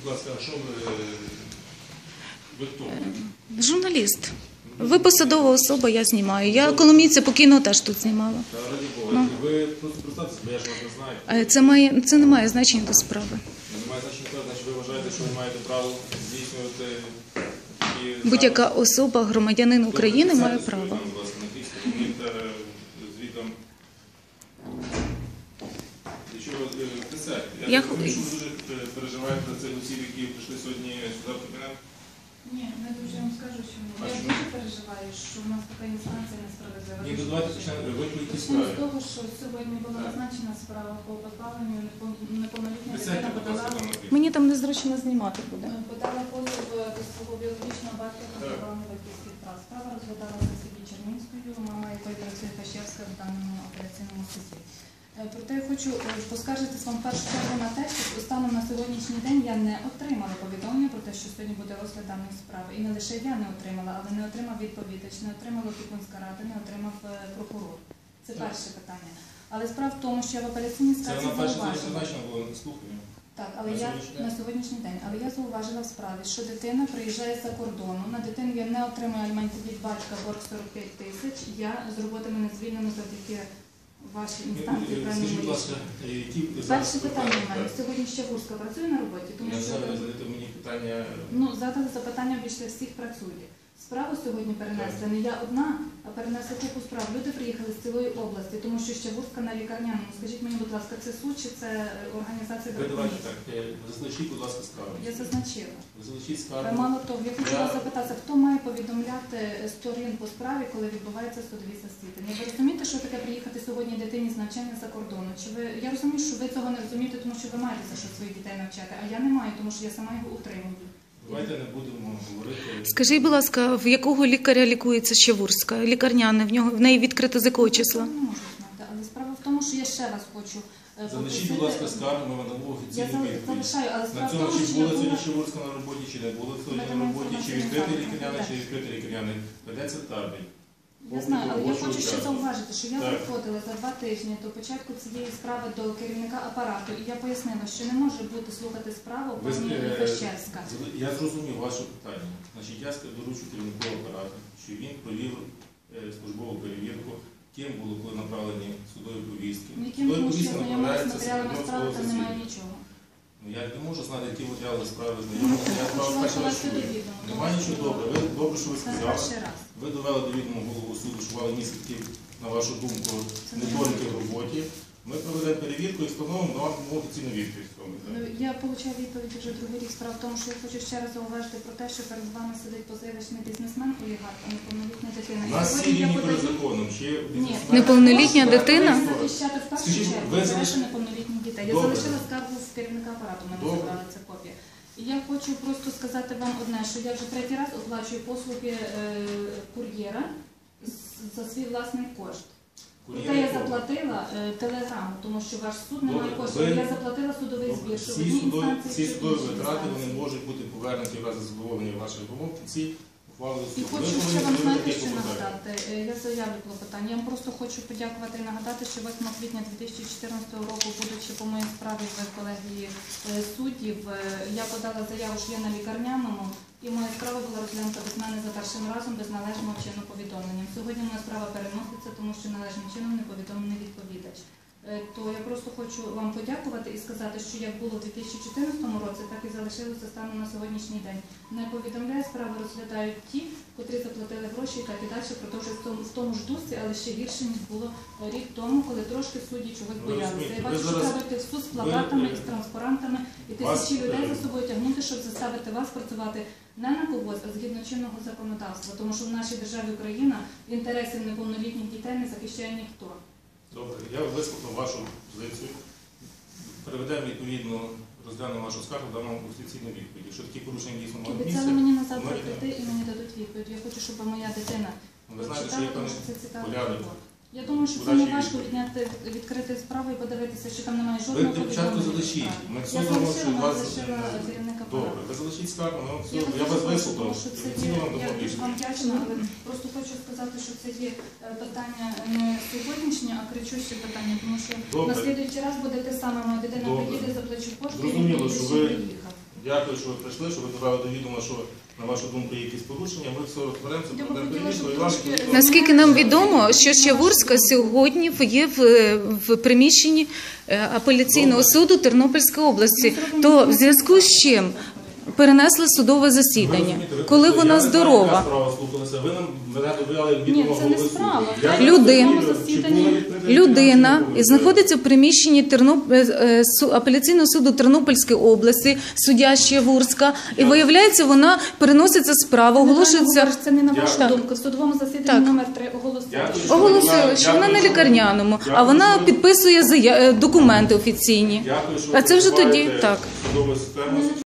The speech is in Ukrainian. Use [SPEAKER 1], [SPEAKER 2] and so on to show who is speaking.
[SPEAKER 1] ласка, а що ви хто?
[SPEAKER 2] Журналіст. Ви посадова особа, я знімаю. Я Коломійця по кіно теж тут знімала.
[SPEAKER 1] Та раді Бога, ви просто представтеся, бо я ж вас не знаю.
[SPEAKER 2] Це не має значення до справи.
[SPEAKER 1] Немає значення, значить ви вважаєте, що ви маєте право здійснювати такі...
[SPEAKER 2] Будь-яка особа, громадянин України має право.
[SPEAKER 1] Будь ласка, на тій стороні та звітом. Якщо ви присядьте, я думаю, що ви дуже переживаєте за цих осіб, які прийшли сьогодні сюди в кабінет.
[SPEAKER 3] Ні, не дуже вам скажу, що я дуже переживаю, що в нас така інстанція несправедлива.
[SPEAKER 1] Ні, давайте почнемо. Ви по якій
[SPEAKER 3] З
[SPEAKER 1] справі?
[SPEAKER 3] того, що сьогодні була назначена справа по позбавленню неповнолітня дитина
[SPEAKER 2] Мені там незручно знімати буде.
[SPEAKER 3] подала позов до свого біологічного батька про позбавлення батьківських прав. Справа розглядалася в суді Чернівською, мама якої працює Пащевська в даному операційному суді. Проте я хочу поскаржитись вам в першу чергу на те, що станом на сьогоднішній день я не отримала повідомлення про те, що сьогодні буде розгляд даної справи. І не лише я не отримала, але не отримав відповідач, не отримала опікунська рада, не отримав прокурор. Це перше питання. Але справа в тому, що я в апеляційній скарзі зауважила. Так, але я на сьогоднішній день. Але я зауважила в справі, що дитина приїжджає з-за кордону, на дитину я не отримую аліментів від батька, борг 45 тисяч, я з роботи мене звільнено завдяки вашій інстанції.
[SPEAKER 1] Скажіть, будь ласка, які...
[SPEAKER 3] Перше питання в мене. Сьогодні Щегурська працює на роботі? Тому
[SPEAKER 1] Я
[SPEAKER 3] що...
[SPEAKER 1] знаю, задайте мені питання...
[SPEAKER 3] Ну, задали запитання, більше всіх працює. Справу сьогодні перенесли не я одна, а перенесли купу справ. Люди приїхали з цілої області, тому що Щегурська на лікарняному. Скажіть мені, будь ласка, це суд чи це організація
[SPEAKER 1] Ви давайте так, зазначіть, будь ласка, скаргу.
[SPEAKER 3] Я зазначила.
[SPEAKER 1] Ви залишіть скаргу.
[SPEAKER 3] Мало того, я хочу вас запитати, хто має повідомляти сторін по справі, коли відбувається судові засідання? Ви розумієте, що таке приїхати сьогодні дитині з навчання за кордону? Чи ви... Я розумію, що ви цього не розумієте, тому що ви маєте за що своїх дітей навчати, а я не маю, тому що я сама його утримую.
[SPEAKER 1] Давайте не будемо говорити...
[SPEAKER 2] Скажіть, будь ласка, в якого лікаря лікується Щегурська? Лікарняне, в неї відкрито з якого числа?
[SPEAKER 3] Я не можу знати, але справа в тому, що я ще раз хочу
[SPEAKER 1] Залишіть, будь ласка, скаргу, ми надамо офіційну відповідь.
[SPEAKER 3] залишаю, але
[SPEAKER 1] На
[SPEAKER 3] справа в
[SPEAKER 1] цьому,
[SPEAKER 3] тому,
[SPEAKER 1] чи
[SPEAKER 3] що
[SPEAKER 1] була
[SPEAKER 3] я
[SPEAKER 1] сьогодні
[SPEAKER 3] була...
[SPEAKER 1] Щегурська на роботі, чи не була сьогодні на роботі, чи відкритий лікарняний, чи відкритий лікарняний. Ведеться табель.
[SPEAKER 3] Я знаю, але я хочу ще зауважити, що я приходила за 2 тижні до початку цієї справи до керівника апарату, і я пояснила, що не може бути слухати справу пані Пащевська.
[SPEAKER 1] Я зрозумів ваше питання. Значить, я доручу керівнику апарату, що він провів службову перевірку, ким було коли направлені судові повістки.
[SPEAKER 3] Яким повістки знайомилися з матеріалами справи, там немає нічого.
[SPEAKER 1] Я не можу знати, які матеріали справи знайомилися. Немає нічого добре. Добре, що ви сказали. Ви довели до відома голову суду, що мали місяці, на вашу думку, недоліки в роботі. Ми проведемо перевірку і встановимо на вам офіційну відповідь.
[SPEAKER 3] Я отримала відповідь вже другий рік. Справа в тому, що я хочу ще раз зауважити про те, що перед вами сидить позивачний бізнесмен, олігарх, а неповнолітня дитина.
[SPEAKER 1] У нас всі рівні перед законом.
[SPEAKER 2] Неповнолітня дитина?
[SPEAKER 3] Я захищати в першу чергу інтереси неповнолітніх дітей. Я залишила скаргу в керівника апарату, мене забрала ця копія. І я хочу просто сказати вам одне, що я вже 3-й раз оплачую послуги кур'єра за свій власний кошт. Проте я заплатила телеграму, тому що ваш суд не має коштів. Я заплатила судовий збір, що в одній інстанції...
[SPEAKER 1] Всі судові витрати вони можуть бути повернуті в разі задоволення ваших вимог в ці ухвали суду.
[SPEAKER 3] І хочу ще вам, знаєте, що нагадати. Я заявлю клопотання. Я вам просто хочу подякувати і нагадати, що 8 квітня 2014 року, будучи по моїй справі в колегії суддів, я подала заяву, що я на лікарняному, і моя справа була розглянута без мене за першим разом без належного чину повідомлення. Сьогодні моя справа переноситься, тому що належним чином не повідомлений відповідач. То я просто хочу вам подякувати і сказати, що як було в 2014 році, так і залишилося станом на сьогоднішній день. Не повідомляє, справи розглядають ті, котрі заплатили гроші і так і далі продовжують в тому ж дусі, але ще гірше, ніж було рік тому, коли трошки судді чогось боялися. Я бачу, що треба йти в суд з плакатами і з транспарантами і тисячі людей за собою тягнути, щоб заставити вас працювати не на когось, а згідно чинного законодавства. Тому що в нашій державі Україна інтересів неповнолітніх дітей не захищає ніхто.
[SPEAKER 1] Добре, я вислухав вашу позицію. Переведемо відповідно, розглянемо вашу скаргу, дамо офіційну відповідь. Якщо такі порушення дійсно мають місце...
[SPEAKER 3] Обіцяли мені на завтра прийти і мені дадуть відповідь. Я хочу, щоб моя дитина прочитала, тому що це цікаво. Я думаю, що це не важко відкрити справу і подивитися, що там немає жодного повідомлення.
[SPEAKER 1] Ви спочатку залишіть.
[SPEAKER 3] Я залишила керівника апарату.
[SPEAKER 1] Добре, ви залишіть скаргу, я вас вислухав.
[SPEAKER 3] Я дуже вам вдячна, але просто хочу сказати, що це є питання не сьогоднішнє, а кричуще питання, тому що на слідуючий раз буде те саме, моя дитина приїде, заплачу кошти і приїде, що приїхав.
[SPEAKER 1] Дякую, що ви прийшли, що ви довели до відома, що, на вашу думку, є якісь порушення. Ми все розберемося,
[SPEAKER 3] Я б
[SPEAKER 1] проведемо
[SPEAKER 3] хотіла,
[SPEAKER 1] перевірку,
[SPEAKER 3] щоб
[SPEAKER 1] і вам
[SPEAKER 3] трошки-
[SPEAKER 1] відповідно-
[SPEAKER 2] Наскільки нам відомо, що Щавурська сьогодні є в приміщенні апеляційного суду Тернопільської області, то в зв'язку з чим перенесли судове
[SPEAKER 1] Ви
[SPEAKER 2] засідання,
[SPEAKER 1] розумієте, ви
[SPEAKER 2] коли
[SPEAKER 1] прийшли,
[SPEAKER 2] вона
[SPEAKER 1] я не знаю,
[SPEAKER 2] здорова.
[SPEAKER 1] яка справа слухалася. Ви нам мене довели
[SPEAKER 3] Ні,
[SPEAKER 1] відомо
[SPEAKER 3] це не
[SPEAKER 1] голови суду.
[SPEAKER 3] справа.
[SPEAKER 1] Я
[SPEAKER 3] Це
[SPEAKER 1] не
[SPEAKER 2] Людина-
[SPEAKER 1] розумію, чи
[SPEAKER 3] засідання.
[SPEAKER 1] була відкрита
[SPEAKER 2] Людина
[SPEAKER 1] відповідь,
[SPEAKER 2] і знаходиться в приміщенні апеляційного суду Тернопільської області, суддя Щавурська, і виявляється, вона переноситься справа, оголошується.
[SPEAKER 3] Це не на вашу
[SPEAKER 1] Дякую.
[SPEAKER 3] думку. В судовому засіданні
[SPEAKER 2] Так.
[SPEAKER 3] номер 3 оголосили.
[SPEAKER 1] Дякую, що
[SPEAKER 2] Оголосили, що вона на лікарняному, а
[SPEAKER 1] Дякую,
[SPEAKER 2] вона
[SPEAKER 1] що ви-
[SPEAKER 2] підписує документи офіційні.
[SPEAKER 1] Дякую, що
[SPEAKER 2] А це вже тоді
[SPEAKER 1] розвиваєте
[SPEAKER 2] так.
[SPEAKER 1] судову систему.